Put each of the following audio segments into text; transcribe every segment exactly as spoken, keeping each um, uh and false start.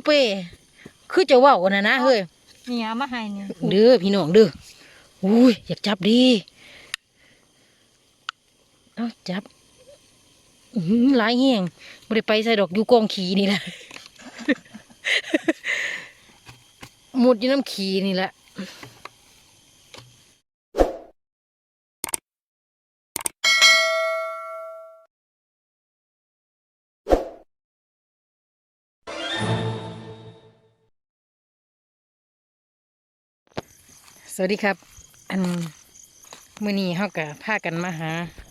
เป้คือจะว่าวนะนะเฮ้ยนี่เอามาให้เนี่ยเด้อพี่น้องเด้ออุ้ยอยากจับดีเอาจับหลายแห้งไม่ได้ไปใส่ดอกอยู่กองขี้นี่แหละ หมดอยู่น้ำขี้นี่แหละสวัสดีครับอันมื้อนี้เฮาก็พากันมาหา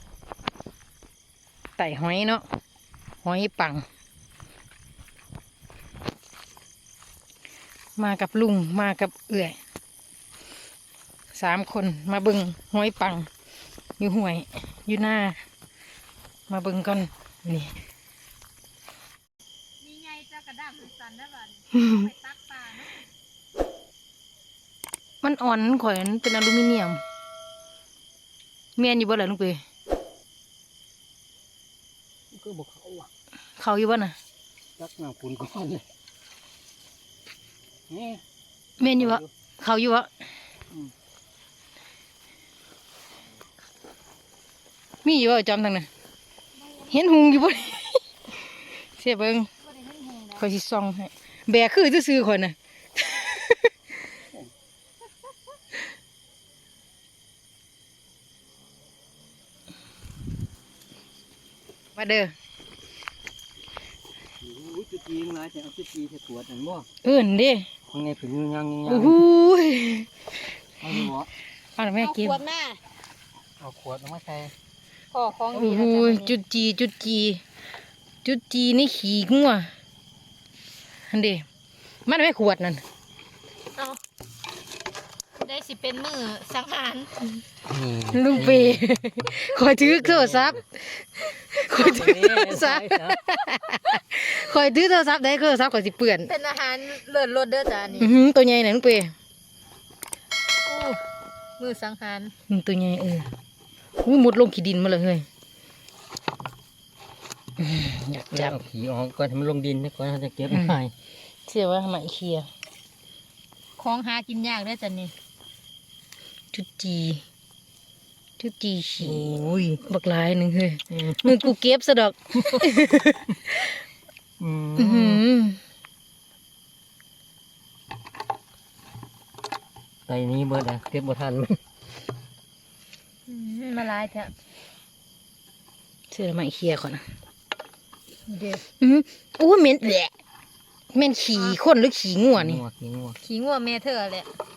ไต่หอยเนาะหอยปังมากับลุงมากับเอื่อยสามคนมาเบิ่งหอยปังอยู่ห้วยอยู่หน้ามาเบิ่งก่อนนี่นี่ไงเจ้ากระด้างสันได้บ้านไปตักปลาเนาะมันอ่อนข่อยมันเป็นอลูมิเนียมเมียนอยู่บ่ล่ะลุงเปยก็บอกเขาอ่ะเขาอยู่บ่น่ะตักน้ำปุ่นก้อนเลยนี่เมียนอยู่บ่เขาอยู่บ่มีอยู่บ่จอมทางนั้นเห็นหุงอยู่บ่ เสียเบิ่งข่อยสิส่องให้แบกคือซื่อๆข่อยน่ะ มาเด้อจุดจีนมาจะเอาจุดจีนจะตรวจอันบ่เอิ้นเด้ยังไงถึงยังยังโอ้โหเอาหมอเอาแม่กินขวดแม่เอาขวดมาใส่พ่อของดีโอ้โหจุดจีจุดจีจุดจีนี่ขี้งัวอันเด้มันไม่ขวดนั่นเอาได้สิเป็นมือสังหารลุงเปคอยถือโทรศัพท์คอยถือโทรศัพท์คอยถือโทรศัพท์ได้โทรศัพท์คอยสิเปื่อนเป็นอาหารเลิศรสเด้อจ้านี่อือหือตัวใหญ่น่ะลุงเปอู้มือสังหารอืมตัวใหญ่เอออู้มุดลงขี้ดินมาเลยเฮ้ยอืมอยากจับเอาขี้ออกก่อนให้มันลงดินก่อนเขาจะเก็บง่ายเชื่อว่าไหมเคลียร์ของหากินยากเด้อจ้านี่จุดจีจุดจีขี้โอ้ยบักหลายหนึ่งเฮ้ยมึงกูเก็บซะดอกอือื้อหืมอไตนี้เบิดอ่ะเก็บบ่ทันมันอืมมาลายเถอะเชื่อไหมเคลียร์ก่อนนะเดี๋ยวอือโอ้เหม็นแหละเหม็นขี่คนหรือขี่งัวนี่งัวขี้งัวขี้งัวแม่เธอแหละ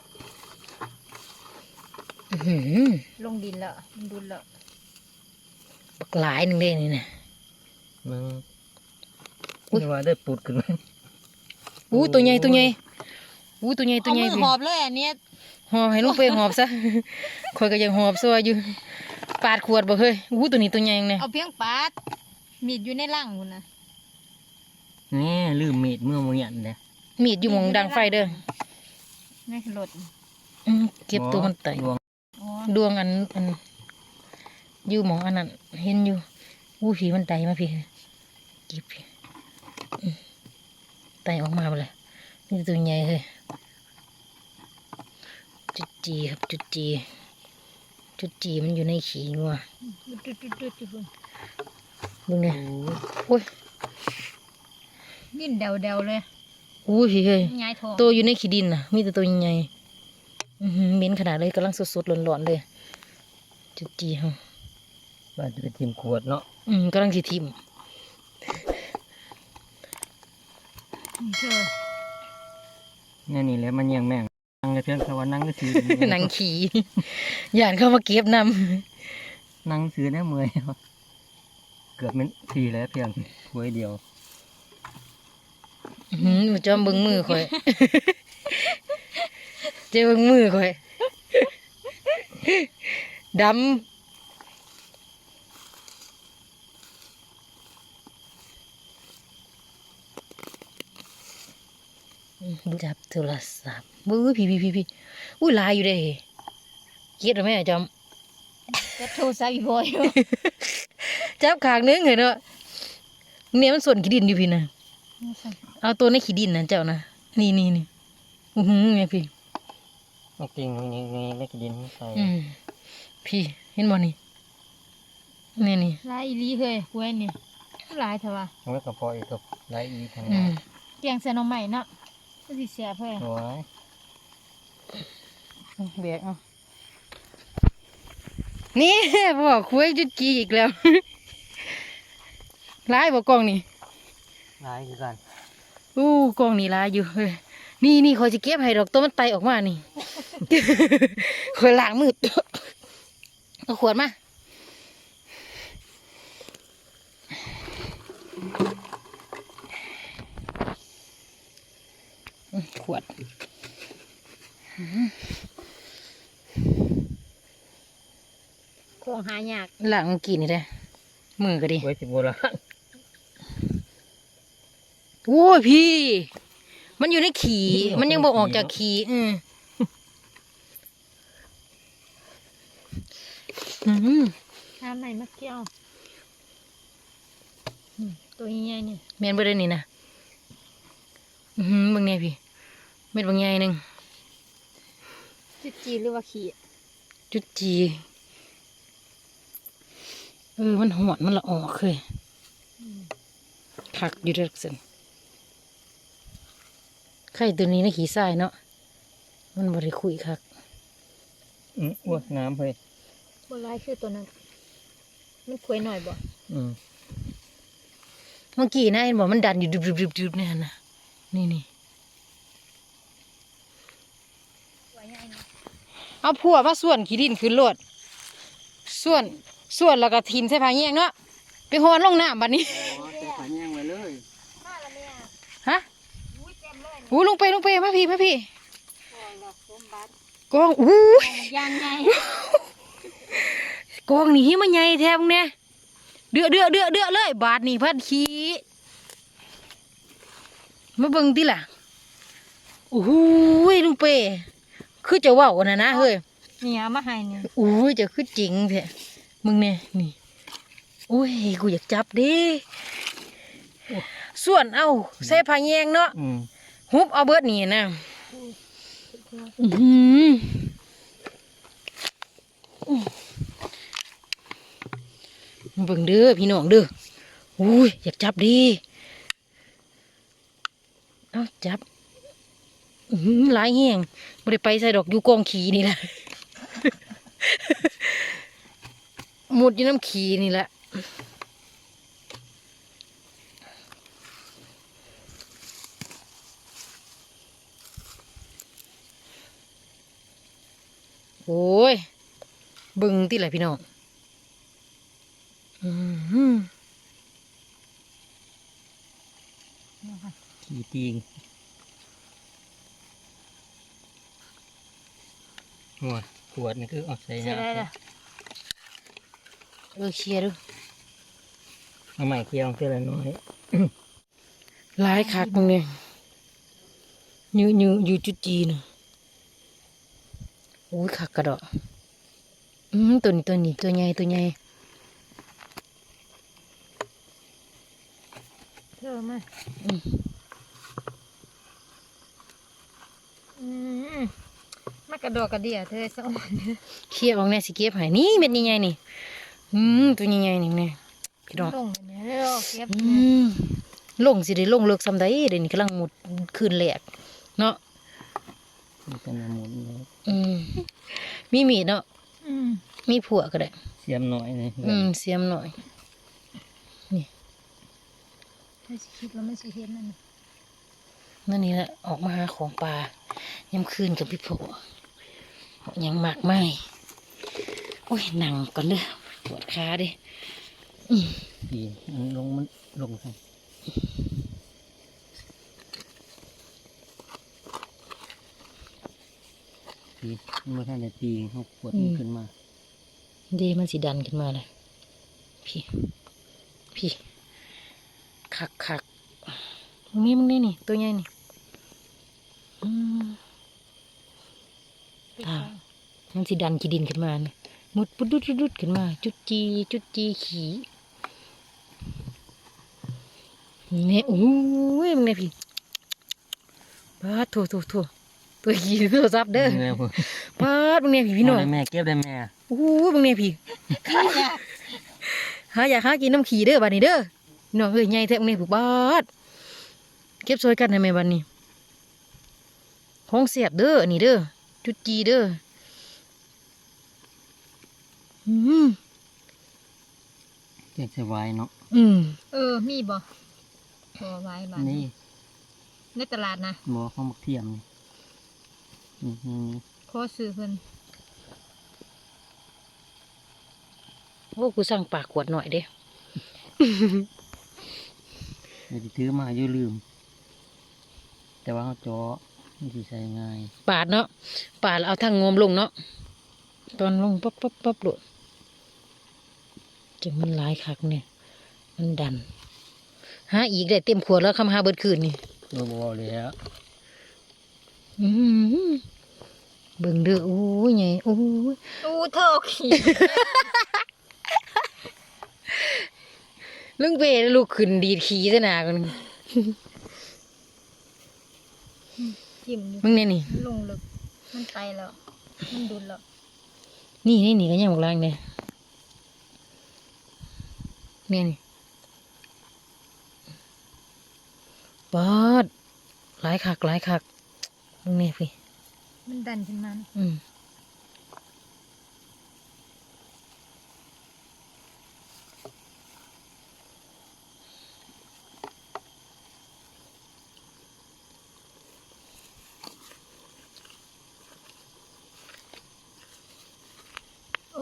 อื้อหือลงดินแล้วดุนแล้วบักหลายหนึ่งเลยนี่นะมึงอุ๊ยว่าได้ปุดขึ้นมาอู้ตัวใหญ่ตัวใหญ่อู้ตัวใหญ่ตัวเอาใหญ่มือสิหอบเลยอันเนี้ยหอบให้ลูกไปหอบซะ คอยก็ยังหอบซัวอยู่ปาดขวดบ่เฮ้ยอู้ตัวนี้ตัวใหญ่เนี่ยเอาเพียงปาดมีดอยู่ในร่างคุณนะนี่ลืมมีดเมื่อมื้อยันเด้มีดอยู่หมองดังไฟเด้อในรถอืมเก็บตัวมันไตดวงอ๋อดวงอันอันอยู่หมองอันนั้นเห็นอยู่อู้ผีมันไตมาพี่เก็บพี่อืมไตออกมาไปเลยนี่ตัวใหญ่เลยจุดจีครับจุดจีจุดจีมันอยู่ในขี้งัวจุดจุดจุดจุดจุดดูเนี่ยโอ้ยดิ้นเดาเดาเลยอู้พี่เฮ้ยง่ายทองตัวอยู่ในขี้ดินน่ะมีแต่ตัวใหญ่อือหือเหม็นขนาดเลยกำลังสดๆร้อนๆเลยจุดจีฮะบ้านจะไปทิมขวดเนาะอืมกำลังสิทิมเธอนี่นี่แหละมันยังแม่งนั่งเลยเพียงแค่ว่านั่งก็ซื้อหนังขี่ ย่านเข้ามาเก็บนนั่งซื้อได้เมื่อยเกือบเป็นทีแล้วเพียงถ้วยเดียวำอื้อหือหนูจอมเบิ้งมือข่อย เจ้าเบิ้งมือข่อย ดำจับโทรศัพท์บื้อพี่พี่พี่พี่อุ้ยลายอยู่เด้เกียดหรือไม่จอมจะโทรศัพท์อีกบ่อยจับขางนึงเห็นเนาะเนี่ยมันส่วนขี้ดินอยู่พี่นะเอาตัวในขี้ดินนะเจ้านะนี่นี่นี่อือหือไงพี่เอากิ่งนี่นี่ได้กินดินใส่อืมพี่เห็นบ่นี่นี่นี่ลายอีหลีเฮ้ยกล้วยนี่ลายเถอะวะเอาไว้กับพออีกกับไรอีทางอืนั้นมเกียงใส่หน่อไม้เนาะก็สิแซ่บเฮ้ยโอ้ยแบกเอานี่ บอกคุยจุดจีอีกแล้ว ร้ายบอกกล้องนี่ไรคือกันอู้กล้องนี่ร้ายอยู่เฮ้ยนี่นี่คอยจะเก็บให้ดอกตัวมันไตออกมานี่ คอยล้างมือ เอาขวดมาอืมขวดของหายากล้างเมื่อกี้นี่ได้มือก็ดีไว้สิบโบราณโอ้ยพี่ มันอยู่ในขี่ มันยังบอกออกจากขี่อืมอืมน้ำไหนมาเกี่ยวอืมตัวใหญ่ๆนี่แมนบ่ได้นี่นะอือหือบางเนี่ยพี่ เม็ดบางใหญ่หนึ่งจุดจีหรือว่าขี้จุดจีเออ มันหอนมันละออกเคยผักอยู่เด็กสินไข่ตัวนี้นะขี้ทรายเนาะ มันบริคุยคักอืมอ้วน้ำเฮ้ยบ่ลายคือตัวนั้น มันกล้วยหน่อยบ่อืมเมื่อกี้นะเห็นบอกมันดันอยู่ดึบๆๆๆเนี่ยนะนี่นี่กล้วยใหญ่นี่เอาผัวมาส่วนขี้ดินขึ้นรถส่วนส่วนแล้วก็ทิมใส่ผ้าแยงเนาะไปหอนลงน้ำบัดนี้แต่ขันยังไว้เลยมาแล้วแม่ฮะอุ้ยเต็มเลยอู้ลงไปลงไปมาพี่มาพี่โอ้ยดอกสมบัติกองอู้ยยางไงกองนี่มันใหญ่แทบเนี่ยเดือดเดือดเดือดเดือดเลย บาทนี่พัดขี้มาเบิ่งติล่ะโอ้โหลุงเป้คือจะเว้าน่ะนะเฮ้ยนี่เอามาให้นี่อู้ยจะคือจริงแท้มึงเนี่ยนี่โอ้ยกูอยากจับเดิส่วนเอาใส่ผ้าแยงเนาะอืมฮุบเอาเบิดนี่นะอื้อหือมาเบิ่งเด้อพี่น้องเด้ออุ้ยอยากจับดิ เอาจับ อื้อหือหลายแห้งบ่ได้ไปใส่ดอกอยู่กองขี้นี่แหละ หมุดอยู่น้ำขี้นี่แหละ โอ้ยเบึงที่ไหนพี่น้องอื้อหือขี่ตีงหัวขวดนี่คือเอาใส่ใช่ได้น้ำละเออเคลียร์ดูเอาใหม่เคี่ยวเท่าไรน้อยหลายคักมึงเนี่ยอยู่อยู่อยู่จุดจีนโอ้ยคักกระดอกอืมตัวนี้ตัวนี้ตัวใหญ่ตัวใหญ่เธอมาอืมอืมมากระดอกกระเดียเธอสองเคลียร์ออกแน่สิเก็บให้นี่เม็ดใหญ่ๆนี่อืมตัวใหญ่ๆนี่แน่พี่น้องลงเนี่ยเร็วเก็บอืเนี่ยมลงสิได้ลงเลิกซ้ำใดเดี๋ยวนี้กำลังหมดคืนแหลกเนาะมันเป็นหมุนเลยอืมมีมีดเนาะอืมมีผัวก็ได้เสียมหน่อยนี่อืมเสียมหน่อยไม่สิคิดว่าไม่สิเห็นนั่นน่ะนั่นนี่แหละออกมาหาของป่ายามคืนกับพี่ผัวยังมากไม่โอ้ยหนังก่อนเลยปวดขาดิอืมตีมันลงมันลงใส่ตีเมื่อท่านได้ตีเขาขวดมันขึ้นมาดีมันสีดันขึ้นมาเลยพี่ พี่คักคักตรงนี้มึงนี่นี่ตัวใหญ่นี่อืม อ่า มันสีดันขี้ดินขึ้นมาเนี่ยมุดปุดดุดดุดดุดขึ้นมา จุดจีจุดจีขี่เนี่ยโอ้ยมึงเนี่ยพี่ปาดโถโถโถตัวขี่โทรศัพท์เด้อเมื่อยพุ่นปาดบางเนี่ยพี่พี่น้องเอาได้แม่เก็บได้แม่โอ้โหบางเนี่ยพี่ข้าอยากหาอยากหากินน้ำขี่เด้อบัดนี้เด้อพี่น้องเอ้ยใหญ่แท้บางเนี่ยผูกบาดเก็บซอยกันให้แม่บัดนี้ของเสียบเด้ออันนี้เด้อจุดจีเด้ออืมเก็บใส่ไว้เนาะอืมเออมีบ่พอไว้บ้านนี่ในตลาดนะหมอข้าวหมกเทียมนี่นี่นี่ขอซื้อเพิ่นโอ้กูสั่งปากขวดหน่อยเด้เดี๋ยวสิถือมาอยู่ลืม แต่ว่าเขาเจาะมันสิใส่ง่ายปาดเนาะปาดแล้วเอาทางงมลงเนาะตอนลงปั๊บปั๊บปั๊บโดดจังมันหลายคักเนี่ยมันดันหาอีกได้เต็มขวดแล้วคำหาเบิดคืนนี่บ่บ่แล้วอื้อหือเบิ่งเด้อโอ้ยไงโอ้ยอู้เธอขี่ลุงเป้ลูกขึ้นดีดขี้ซะหนากันจิ้มอยู่มึงเนี่ยนี่มันลงลึกมันไปแล้วมันดุนแล้วนี่นี่นี่ก็ยังบอกล่างเนี่ยเนี่ยนี่ปอดหลายคักหลายคักมึงเนี่ยพี่มันดันขึ้นมาอืมโอ้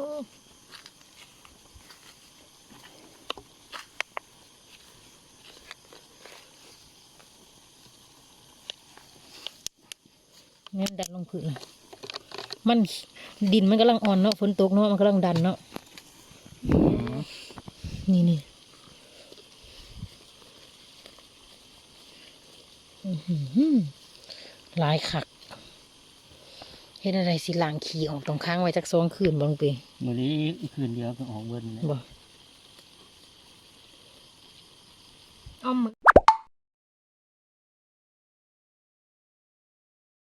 เนี่ยดันลงพื้นเลยมันดินมันกำลังอ่อนเนาะฝนตกเนาะมันกำลังดันเนาะนี่นี่อื้อหือหลายคักเฮ็ดอะไรสิล้างขี้ออกตรงค้างไว้จักสองคืนบ่ลงไปมื้อนี้อีกคืนเดียวก็ออกเบิ่นแล้วบ่เอามือ